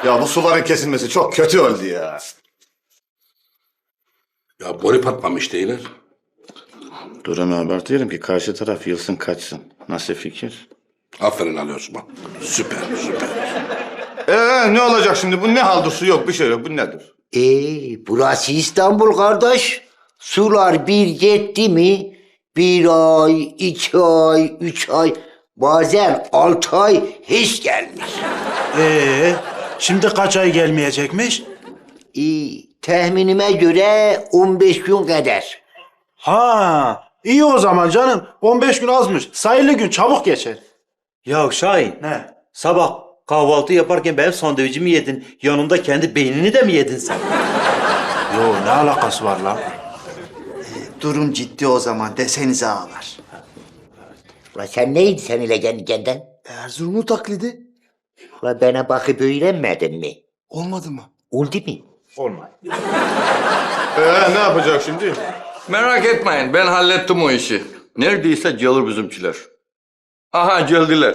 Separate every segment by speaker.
Speaker 1: Ya bu suların kesilmesi çok kötü oldu ya.
Speaker 2: Ya boru patlamış değiller.
Speaker 1: Dur hemen abartıyorum ki karşı taraf yılsın kaçsın. Nasıl fikir?
Speaker 2: Aferin Ali Osman. Süper, süper.
Speaker 1: Ne olacak şimdi? Bu ne haldır? Su yok, bir şey yok. Bu nedir?
Speaker 3: Burası İstanbul kardeş. Sular bir yetti mi? 1 ay, 2 ay, 3 ay, bazen 6 ay hiç gelmiş.
Speaker 4: Şimdi kaç ay gelmeyecekmiş?
Speaker 3: Tahminime göre 15 gün kadar.
Speaker 4: Ha, iyi o zaman canım. 15 gün azmış. Sayılı gün çabuk geçer.
Speaker 5: Ya Şahin,
Speaker 4: Ne?
Speaker 5: sabah kahvaltı yaparken benim sandviçimi yedin. Yanında kendi beynini de mi yedin sen?
Speaker 4: Yo, ne alakası var lan?
Speaker 6: Durum ciddi o zaman desenize ağalar.
Speaker 3: Ulan sen neydin sen ile kendi kendin?
Speaker 6: Erzurumlu taklidi
Speaker 3: Ulan bana bakıp öğrenmedin mi?
Speaker 6: olmadı mı?
Speaker 3: Oldu mu?
Speaker 4: Olmaz.
Speaker 1: Ne yapacak şimdi?
Speaker 7: Merak etmeyin, ben hallettim o işi. Neredeyse gelir bizimkiler. Aha, geldiler.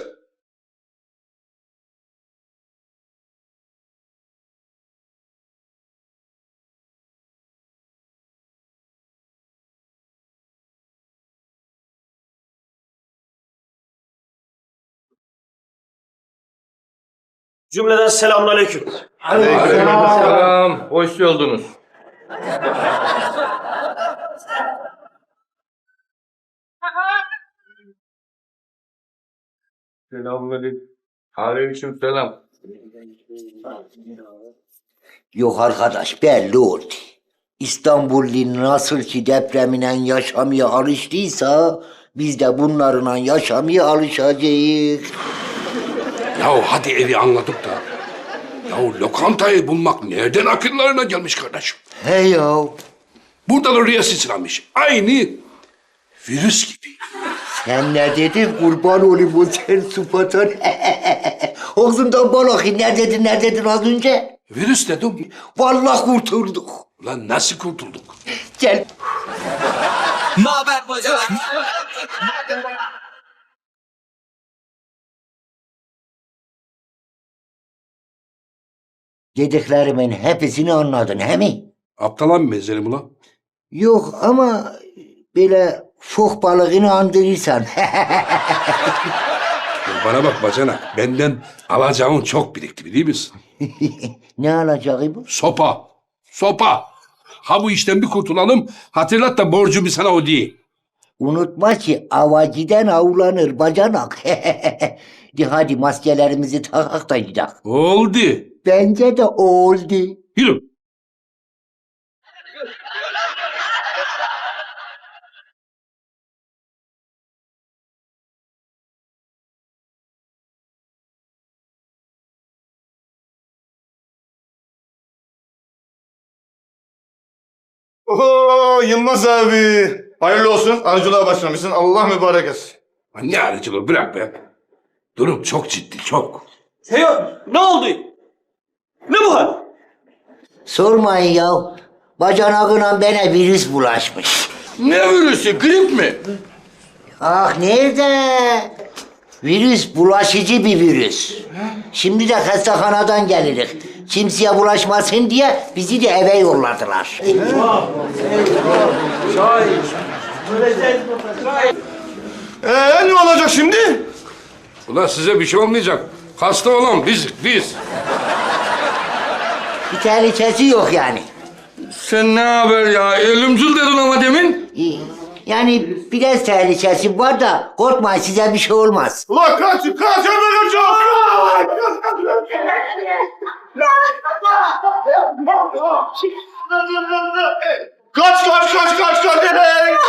Speaker 5: Cümleden selamünaleyküm.
Speaker 7: Selam, hoş geldiniz. Selamünaleyküm. Aleyküm selam.
Speaker 3: Yok arkadaş belli oldu. İstanbullu nasıl ki depreminen yaşamaya alıştıysa biz de bunlarla yaşamaya alışacağız.
Speaker 2: Ya hadi evi anladık da. Ya lokantayı bulmak nereden akıllarına gelmiş kardeşim?
Speaker 3: He ya.
Speaker 2: Burada da rüya sıçramış. Aynı virüs gibi.
Speaker 3: Sen ne dedin kurban olayım o sen sıfatın. Ağzından balık ne dedin az önce?
Speaker 2: Virüs dedim.
Speaker 3: Vallahi kurtulduk.
Speaker 2: Ulan nasıl kurtulduk?
Speaker 3: Gel. Dediklerimin hepsini anladın he mi?
Speaker 2: Aptala mı benzerim ulan?
Speaker 3: Yok ama böyle fok balığını andırırsan.
Speaker 2: Ya bana bak bacanak. Benden alacağın çok birikti biliyor musun?
Speaker 3: Ne alacağı bu?
Speaker 2: Sopa. Sopa. Ha bu işten bir kurtulalım. Hatırlat da borcumu sana ödeyeyim.
Speaker 3: Unutma ki avaciden avlanır bacanak. De hadi maskelerimizi takak da gidelim.
Speaker 2: Oldu.
Speaker 3: Bence de oldu.
Speaker 2: Yürü.
Speaker 1: Oo Yılmaz abi. Hayırlı olsun. Arıcılığa başlamışsın. Allah mübarek etsin.
Speaker 2: Lan ne aracılığı bırak be. Durum çok ciddi çok.
Speaker 5: Teo, ne oldu? Ne bu hal?
Speaker 3: Sormayın ya. Bacanağına bana virüs bulaşmış.
Speaker 7: Ne virüsü, grip mi?
Speaker 3: Ah nerede? Virüs bulaşıcı bir virüs. Şimdi de hastahanadan gelirik. Kimseye bulaşmasın diye bizi de eve yolladılar.
Speaker 1: Ne olacak şimdi?
Speaker 2: Ulan size bir şey olmayacak. Hasta olan biz.
Speaker 3: Bir tehlikesi yok yani.
Speaker 7: Sen ne haber ya? Ölümcül dedin ama demin.
Speaker 3: Yani biraz tehlikesi var da korkmayın size bir şey olmaz.
Speaker 1: Ulan kaç hemen kaç. Kaç.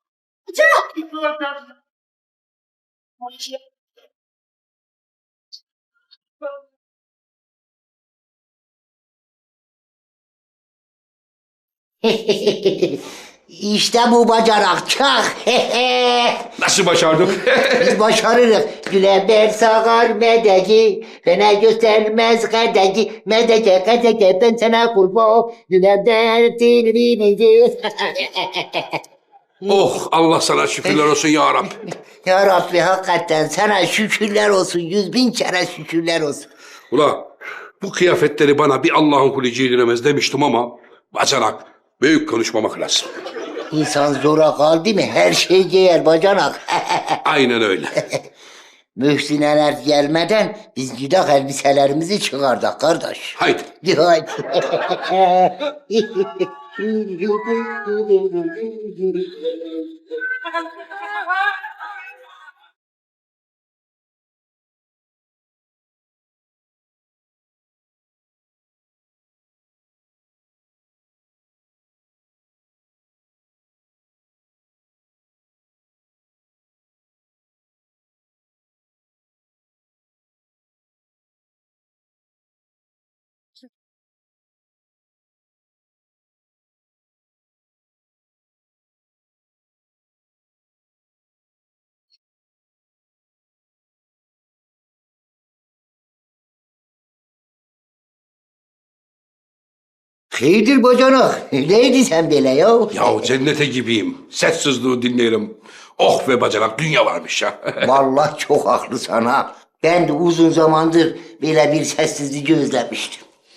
Speaker 3: İşte bu bacanak çak.
Speaker 2: Nasıl başardık?
Speaker 3: Biz başarırız. Güleber sağar medeki, fena göstermez kadeki, medeke ben sana kurban, güleber dilini.
Speaker 2: Oh Allah sana şükürler olsun ya Rabbi.
Speaker 3: Ya Rabbi hakikaten sana şükürler olsun, 100.000 kere şükürler olsun.
Speaker 2: Ula bu kıyafetleri bana bir Allah'ın kulu giydiremez demiştim ama bacanak, büyük konuşmamak lazım.
Speaker 3: İnsan zora kaldı mı her şey giyer bacanak.
Speaker 2: Aynen öyle.
Speaker 3: Mühsineler gelmeden biz gidak elbiselerimizi çıkardık kardeş.
Speaker 2: Haydi.
Speaker 3: Haydi. Hayırdır bacanak? Neydi sen böyle ya?
Speaker 2: Ya cennete gibiyim. Sessizliği dinleyelim. Oh be bacanak, dünya varmış ya.
Speaker 3: Vallahi çok haklısın ha. Ben de uzun zamandır böyle bir sessizliği özlemiştim.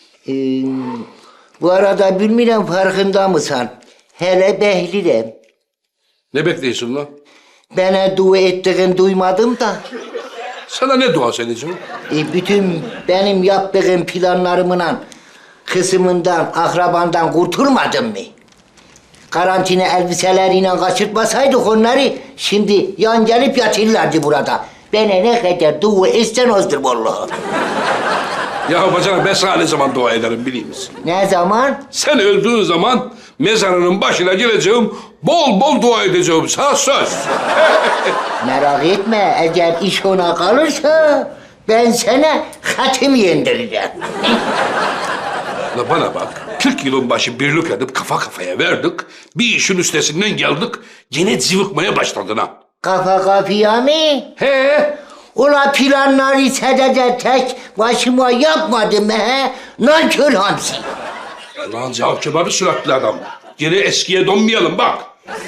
Speaker 3: Bu arada bilmiyorum farkında mısın? Hele Behlül'üm.
Speaker 2: Ne bekliyorsun lan?
Speaker 3: Bana dua ettiğin duymadım da.
Speaker 2: Sana ne dua edeceğim?
Speaker 3: Bütün benim yaptığım planlarımla kısmından, akrabandan kurtulmadın mı? Karantina elbiseleriyle kaçırtmasaydık onları şimdi yan gelip yatırlardı burada. Bana ne kadar dua etsen azdır vallahi.
Speaker 2: Ya bacanak, ben sana ne zaman dua ederim biliyor musun?
Speaker 3: Ne zaman?
Speaker 2: Sen öldüğün zaman mezarının başına geleceğim, bol bol dua edeceğim. Sana söz.
Speaker 3: Merak etme, eğer iş ona kalırsa ben sana hatim yendireceğim.
Speaker 2: La bana bak, 40 yılın başı birlik edip kafa kafaya verdik. Bir işin üstesinden geldik, yine cıvıkmaya başladın ha.
Speaker 3: Kafa kafaya mı?
Speaker 2: He?
Speaker 3: Ula planları sadece tek başıma yapmadım he? Nankör hamsi.
Speaker 2: Lan cevap süratli adam. Gene eskiye dönmeyelim bak.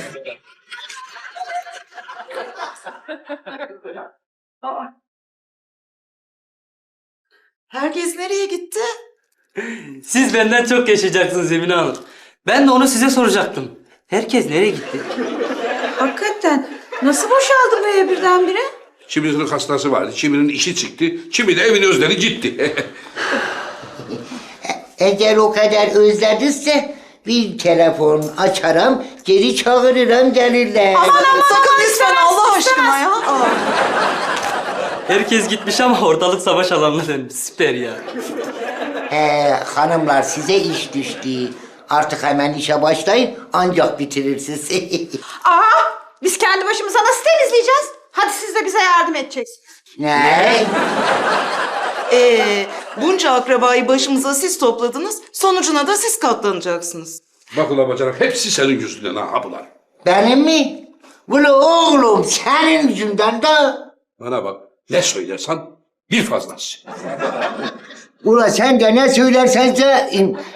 Speaker 8: Herkes nereye gitti?
Speaker 9: Siz benden çok yaşayacaksınız Emine Hanım. Ben de onu size soracaktım. Herkes nereye gitti?
Speaker 8: Hakikaten nasıl boşaldı bu ev birdenbire?
Speaker 2: Kimisinin hastası vardı, kiminin işi çıktı, kimi de evin özleri gitti.
Speaker 3: Eğer o kadar özlediyse bir telefon açarım, geri çağırırım gelirler.
Speaker 8: Aman sakın lütfen Allah aşkına ya. Aa.
Speaker 9: Herkes gitmiş ama ortalık savaş alanına dönmüş. Süper ya.
Speaker 3: Hanımlar size iş düştü. Artık hemen işe başlayın ancak bitirirsiniz.
Speaker 8: Aa, biz kendi başımıza nasıl temizleyeceğiz? Hadi siz de bize yardım edeceksiniz.
Speaker 3: Ne?
Speaker 8: Bunca akrabayı başımıza siz topladınız. Sonucuna da siz katlanacaksınız.
Speaker 2: Bak ulan bacanak, hepsi senin yüzünden ha bunlar.
Speaker 3: Benim mi? Ulu oğlum senin yüzünden de.
Speaker 2: Bana bak, ne söylersen bir fazlası.
Speaker 3: Ula sen de ne söylersen de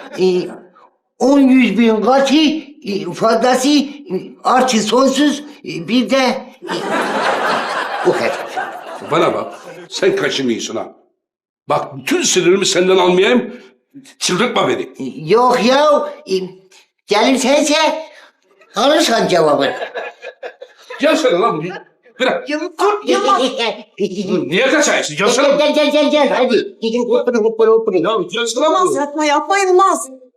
Speaker 3: 100 bin kaçı fazlası artı sonsuz bir de o kadar.
Speaker 2: Bana bak, sen kaçınıyorsun ha. Bak, bütün sinirimi senden almayayım, çıldırtma beni.
Speaker 3: Yok ya gelirsense alırsan cevabını.
Speaker 2: Gelsene lan buraya. Bırak.
Speaker 8: Yılmaz.
Speaker 2: Niye kaçarsın? Gelsene.
Speaker 3: Gel hadi. Gidin hoppana.
Speaker 2: Ya gelsene
Speaker 8: Yılmaz
Speaker 2: buraya.
Speaker 8: yapma Yılmaz.